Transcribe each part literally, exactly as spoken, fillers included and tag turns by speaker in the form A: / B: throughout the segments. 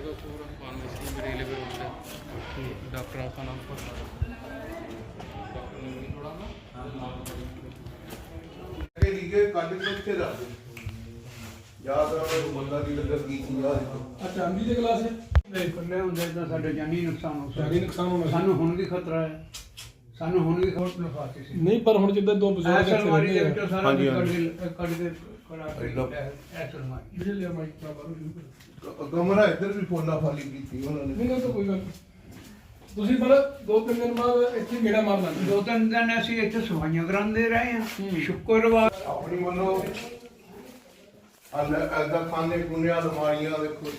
A: Doctor का नाम
B: ਚਾਂਦੀ ਦੇ ਗਲਾਸ
C: ਇਕੱਲੇ ਹੁੰਦੇ ਤਾਂ ਸਾਡੇ ਜਾਨੀ ਨੁਕਸਾਨ ਹੋ ਸਕਦਾ।
B: ਜਾਨੀ ਨੁਕਸਾਨ ਹੋਣਾ ਸੀ।
C: ਸਾਨੂੰ ਹੁਣ ਵੀ ਖਤਰਾ ਹੈ, ਸਾਨੂੰ ਹੁਣ ਵੀ ਖੋਟ ਨਫਾਤੀ ਸੀ।
B: ਨਹੀਂ ਪਰ ਹੁਣ ਜਿੱਦਾਂ ਦੋ ਬਜ਼ੁਰਗ
C: ਐਸਲ ਮਾਰੀ ਦੇ ਵਿੱਚੋਂ ਸਾਰਾ
D: ਹਾਂਜੀ,
C: ਕੱਢ
D: ਹਾਂਜੀ।
C: ਕੇ ਕੱਢ ਕੇ ਕੜਾ ਕੇ ਐਸਲ ਮਾਰੀ
B: ਜਿਹੜੇ ਲਿਆ ਮਾਈਕ ਨਾ ਬਾਹਰੋਂ ਸ਼ੁਰੂ ਕਰੋ।
D: ਕਮਰਾ ਇੱਧਰ ਵੀ ਫੋਨਾ ਫਾਲੀ ਕੀਤੀ ਉਹਨਾਂ ਨੇ।
B: ਨਹੀਂ ਨਾ ਤਾਂ ਕੋਈ ਗੱਲ ਨਹੀਂ। ਤੁਸੀਂ ਪਰ ਦੋ ਤਿੰਨ ਦਿਨ ਬਾਅਦ ਇੱਥੇ ਗੇੜਾ ਮਾਰ ਲਾਂਗੇ।
C: ਦੋ ਤਿੰਨ ਦਿਨ ਅਸੀਂ ਇੱਥੇ ਸਫਾਈਆਂ ਕਰਾਉਂਦੇ ਰਹੇ ਹਾਂ। ਸ਼ੁੱਕਰਵਾਰ
D: ਆਪਣੀ ਵੱਲੋਂ ਐਦਾ ਖਾਨੇ ਖੂਨੇ ਅਲਮਾਰੀਆਂ ਦੇਖੋ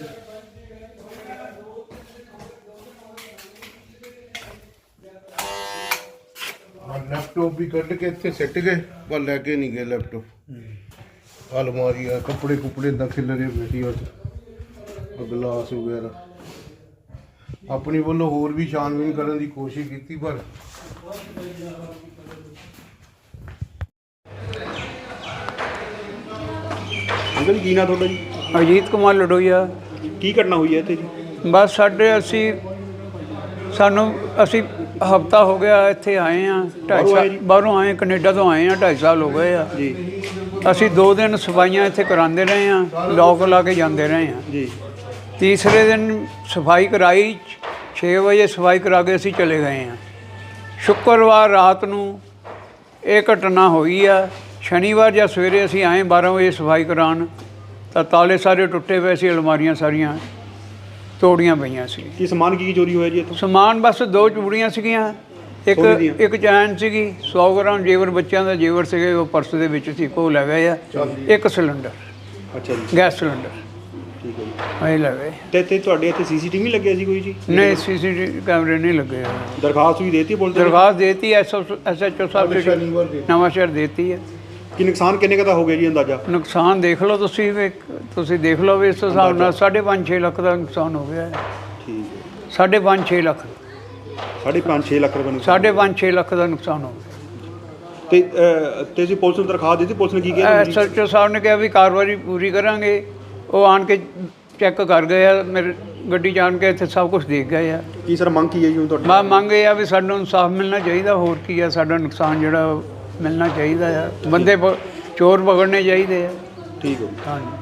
D: ਲੈਪਟਾਪ ਵੀ ਕੱਢ ਕੇ ਇੱਥੇ ਸਿੱਟ ਗਏ ਪਰ ਲੈ ਕੇ ਨਹੀਂ ਗਏ ਲੈਪਟਾਪ। ਅਲਮਾਰੀਆਂ ਕੱਪੜੇ ਕੁਪੜੇ ਦਾ ਖਿਲਰੇ ਬੈਠੀ ਉਹ ਗਲਾਸ ਵਗੈਰਾ। ਆਪਣੀ ਵੱਲੋਂ ਹੋਰ ਵੀ ਛਾਨਬੀਨ ਕਰਨ ਦੀ ਕੋਸ਼ਿਸ਼ ਕੀਤੀ ਪਰ
E: ਅੰਕਲ ਜੀ ਕੀ ਨਾਂ ਤੁਹਾਡਾ ਜੀ?
C: ਅਜੀਤ ਕੁਮਾਰ ਲਡੋਈਆ।
E: ਕੀ ਘਟਨਾ ਹੋਈ ਹੈ ਇੱਥੇ ਜੀ?
C: ਬਸ ਸਾਡੇ ਅਸੀਂ ਸਾਨੂੰ ਅਸੀਂ ਹਫਤਾ ਹੋ ਗਿਆ ਇੱਥੇ ਆਏ ਹਾਂ। ਢਾਈ
E: ਬਾਹਰੋਂ ਆਏ
C: ਸਾਲ
E: ਜੀ?
C: ਬਾਹਰੋਂ ਆਏ, ਕੈਨੇਡਾ ਤੋਂ ਆਏ ਹਾਂ। ਢਾਈ ਸਾਲ ਹੋ ਗਏ ਆ
E: ਜੀ
C: ਅਸੀਂ ਦੋ ਦਿਨ ਸਫਾਈਆਂ ਇੱਥੇ ਕਰਾਉਂਦੇ ਰਹੇ ਹਾਂ, ਲੋਕ ਲਾ ਕੇ ਜਾਂਦੇ ਰਹੇ ਹਾਂ।
E: ਜੀ
C: ਤੀਸਰੇ ਦਿਨ ਸਫਾਈ ਕਰਾਈ, ਛੇ ਵਜੇ ਸਫਾਈ ਕਰਾ ਕੇ ਅਸੀਂ ਚਲੇ ਗਏ ਹਾਂ। ਸ਼ੁੱਕਰਵਾਰ ਰਾਤ ਨੂੰ ਇਹ ਘਟਨਾ ਹੋਈ ਆ। ਸ਼ਨੀਵਾਰ ਜਾਂ ਸਵੇਰੇ ਅਸੀਂ ਆਏ ਬਾਰ੍ਹਾਂ ਵਜੇ ਸਫਾਈ ਕਰਾਉਣ ਤਾਂ ਤਾਲੇ ਸਾਰੇ ਟੁੱਟੇ ਪਏ ਸੀ, ਅਲਮਾਰੀਆਂ ਸਾਰੀਆਂ ਤੋੜੀਆਂ ਪਈਆਂ ਸੀ।
E: ਕੀ ਸਮਾਨ ਕੀ ਕੀ ਚੋਰੀ ਹੋਇਆ ਜੀ ਇੱਥੋਂ?
C: ਸਮਾਨ ਬਸ ਦੋ ਚੂੜੀਆਂ ਸੀਗੀਆਂ, ਇੱਕ
E: ਸੋਨੇ ਦੀਆਂ?
C: ਇੱਕ ਚੈਨ ਸੀਗੀ, ਸੌ ਗ੍ਰਾਮ ਜੇਵਰ ਬੱਚਿਆਂ ਦਾ ਜੇਵਰ ਸੀਗੇ, ਉਹ ਪਰਸ ਦੇ ਵਿੱਚ ਸੀ, ਕੋਲ ਲੈ ਗਏ ਆ। ਇੱਕ ਸਿਲੰਡਰ,
E: ਅੱਛਾ ਜੀ,
C: ਗੈਸ ਸਿਲੰਡਰ
E: ਠੀਕ ਹੈ ਜੀ।
C: ਇਹ ਲੈ ਗਏ।
E: ਤੇ ਇੱਥੇ ਤੁਹਾਡੇ ਇੱਥੇ ਸੀਸੀਟੀਵੀ ਲੱਗਿਆ ਸੀ ਕੋਈ ਜੀ?
C: ਨਹੀਂ, ਸੀਸੀਟੀਵੀ ਕੈਮਰੇ ਨਹੀਂ ਲੱਗੇ ਹੋਏ।
E: ਦਰਖਾਸਤ ਵੀ ਦੇਤੀ ਪੁਲਿਸ ਨੇ?
C: ਦਰਖਾਸਤ ਦੇਤੀ ਐਸ ਐਸ ਐਚ ਓ ਸਾਹਿਬ ਨੇ,
D: ਸ਼ਨੀਵਾਰ ਦੇ
C: ਨਵਾਂ ਸ਼ਹਿਰ ਦੇਤੀ ਹੈ।
E: ਕੀ ਨੁਕਸਾਨ ਕਿੰਨੇ ਕੁ ਦਾ ਹੋ ਗਿਆ ਜੀ ਅੰਦਾਜ਼ਾ?
C: ਨੁਕਸਾਨ ਦੇਖ ਲਓ ਤੁਸੀਂ ਵੀ, ਤੁਸੀਂ ਦੇਖ ਲਓ ਵੀ ਇਸ ਹਿਸਾਬ ਨਾਲ ਸਾਢੇ ਪੰਜ ਛੇ ਲੱਖ ਦਾ ਨੁਕਸਾਨ ਹੋ ਗਿਆ ਹੈ।
E: ਠੀਕ ਹੈ,
C: ਸਾਢੇ ਪੰਜ ਛੇ ਲੱਖ
E: ਸਾਢੇ ਪੰਜ ਛੇ ਲੱਖ ਰੁਪਏ ਨੁਕਸਾਨ।
C: ਸਾਢੇ ਪੰਜ ਛੇ ਲੱਖ ਦਾ ਨੁਕਸਾਨ ਹੋ ਗਿਆ।
E: ਤੇ ਅਹ, ਤੇ ਅਸੀਂ ਪੁਲਿਸ ਨੂੰ ਦਰਖਾਸਤ ਦਿੱਤੀ, ਪੁਲਿਸ ਨੇ ਕੀ ਕਿਹਾ
C: ਐਸ ਐਚ ਓ ਸਾਹਿਬ ਨੇ ਕਿਹਾ ਵੀ ਕਾਰਵਾਈ ਪੂਰੀ ਕਰਾਂਗੇ। ਉਹ ਆਣ ਕੇ ਚੈੱਕ ਕਰ ਗਏ ਆ, ਮੇਰੇ ਗੱਡੀ 'ਚ ਆਣ ਕੇ ਇੱਥੇ ਸਭ ਕੁਝ ਦੇਖ ਗਏ ਆ।
E: ਕੀ ਸਰ ਮੰਗ ਕੀ ਹੈ ਜੀ ਹੁਣ ਤੁਹਾਡੀ?
C: ਮੈਂ ਮੰਗ ਇਹ ਆ ਵੀ ਸਾਨੂੰ ਇਨਸਾਫ ਮਿਲਣਾ ਚਾਹੀਦਾ। ਹੋਰ ਕੀ ਆ, ਸਾਡਾ ਨੁਕਸਾਨ ਜਿਹੜਾ ਉਹ ਮਿਲਣਾ ਚਾਹੀਦਾ ਆ। ਬੰਦੇ ਪ- ਚੋਰ ਪਕੜਨੇ ਚਾਹੀਦੇ ਆ।
E: ਠੀਕ ਹੈ ਜੀ।
C: ਹਾਂਜੀ।